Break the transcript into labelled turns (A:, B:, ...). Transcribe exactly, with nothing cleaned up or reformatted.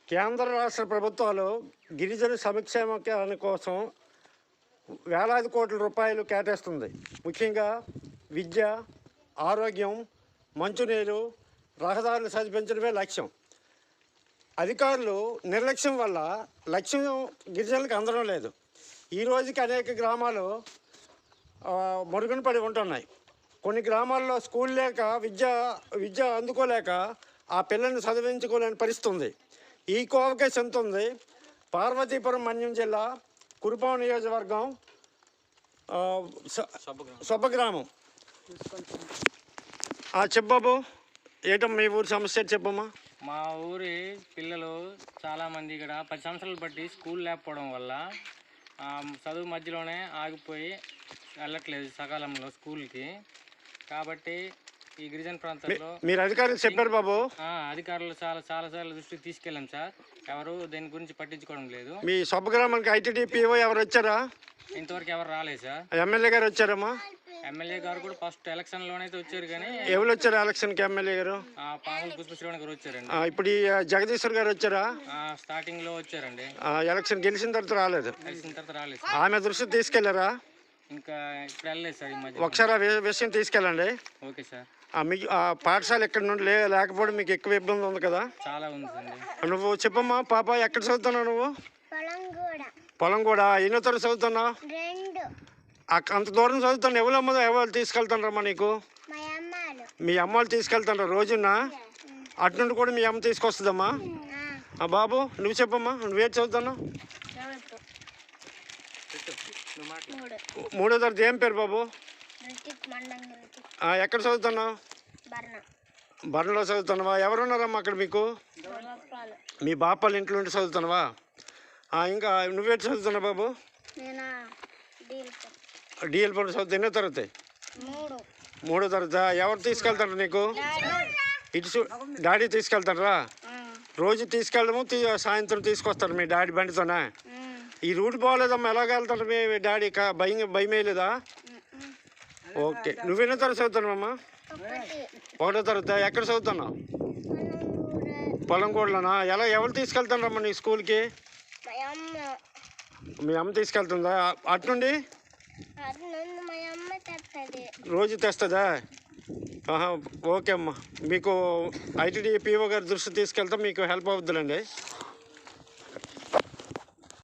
A: కేంద్ర రాష్ట్ర ప్రభుత్వాలు గిరిజన సంక్షేమం కోసం వేలాది కోట్ల రూపాయలు కేటాయిస్తుంది. ముఖ్యంగా విద్య, ఆరోగ్యం, మంచినీరు, రహదారులు సరిపించడమే లక్ష్యం. అధికారులు నిర్లక్ష్యం వల్ల లక్ష్యం గిరిజనులకు అందడం లేదు. ఈ రోజుకి అనేక గ్రామాలు మరుగున పడి ఉంటున్నాయి. కొన్ని గ్రామాల్లో స్కూల్ లేక విద్య విద్య అందుకోలేక ఆ పిల్లల్ని చదివించుకోలేని పరిస్థితి ఉంది. ఈ కోవకే చెందుతుంది పార్వతీపురం మన్యం జిల్లా కురుపాం నియోజకవర్గం సొబ్బగ్రామం. చెప్పబాబు, ఏంటమ్మా మీ ఊరి సమస్య చెప్పమ్మా.
B: మా ఊరి పిల్లలు చాలామంది ఇక్కడ పది సంవత్సరాలు బట్టి స్కూల్ లేకపోవడం వల్ల చదువు మధ్యలోనే ఆగిపోయి వెళ్ళట్లేదు సకాలంలో స్కూల్కి. కాబట్టి ఈ గిరిజన ప్రాంతాల్లో
A: మీరు అధికారులు చెప్పారు బాబు?
B: అధికారులు చాలా చాలా సార్లు దృష్టికి తీసుకెళ్ళాం సార్. ఎవరు దీని గురించి పట్టించుకోవడం లేదు.
A: మీ సొబ్బగ్రామానికి ఐటీడీపీఓ ఎవరు వచ్చారా?
B: ఇంతవరకు ఎవరు రాలేదు సార్.
A: ఎమ్మెల్యే గారు వచ్చారమ్మా?
B: ఎమ్మెల్యే గారు కూడా ఫస్ట్ ఎలక్షన్ లోనైతే వచ్చారు, కానీ
A: ఎవరు వచ్చారు ఎలక్షన్ కి? ఎమ్మెల్యే గారు
B: పాముల పుష్పశ్రీవాణి గారు వచ్చారండి.
A: ఇప్పుడు ఈ జగదీశ్వర్ గారు వచ్చారా?
B: స్టార్టింగ్ లో వచ్చారండి.
A: ఎలక్షన్ గెలిచిన తర్వాత రాలేదు.
B: గెలిచిన తర్వాత రాలేదు.
A: ఆమె దృష్టి తీసుకెళ్లారా?
B: ఇంకా ఇప్పుడు వెళ్ళలేదు సార్. ఈ మధ్య
A: ఒకసారి ఆ విషయం తీసుకెళ్ళండి.
B: Okay sir.
A: మీకు పాఠశాల ఎక్కడ నుండి లే లేకపోవడం మీకు ఎక్కువ ఇబ్బంది ఉంది కదా?
B: చాలా ఉంది సార్.
A: నువ్వు చెప్పమ్మా పాప, ఎక్కడ చదువుతున్నావు నువ్వు? పొలం కూడా. ఎన్నో తరగతి చదువుతున్నావు? అంత దూరం చదువుతాను. ఎవరమ్మా ఎవరు తీసుకెళ్తానమ్మా నీకు? మీ అమ్మ వాళ్ళు తీసుకెళ్తాను రోజున. అటు నుండి కూడా మీ అమ్మ తీసుకొస్తుందమ్మా. బాబు నువ్వు చెప్పమ్మా, నువ్వేటి చదువుతున్నావు? మూడో తరగతి. ఏం పేరు బాబు? ఎక్కడ చదువుతున్నావు? బర్ణలో చదువుతున్నావా? ఎవరున్నారమ్మా అక్కడ మీకు? మీ బాపాళ్ళ ఇంట్లో ఉండి చదువుతున్నావా? ఇంకా నువ్వేటి చదువుతున్నావు బాబు? డిఎల్ పని చదువుతా. ఎన్నో తరగతి? మూడో తరగతి. ఎవరు తీసుకెళ్తారు నీకు? ఇటు డాడీ తీసుకెళ్తారా? రోజు తీసుకెళ్ళడము సాయంత్రం తీసుకొస్తారు మీ డాడీ బండితోనే? ఈ రూట్ బాగోలేదమ్మా, ఎలాగ వెళ్తారు మీ డాడీ? భయం భయం వేయలేదా? ఓకే. నువ్వెన్నో తరగతి చదువుతున్నావమ్మా? ఒకటో తరగతి. ఎక్కడ చదువుతున్నావు? పొలంగూడలోనా? ఎలా ఎవరు తీసుకెళ్తారమ్మా నీ స్కూల్కి? మీ అమ్మ తీసుకెళ్తుందా? అటు నుండి రోజు తెస్తుందా? ఓకే అమ్మా. మీకు ఐటీడీ పీఓ గారి దృష్టి తీసుకెళ్తా మీకు హెల్ప్ అవుతుందండి.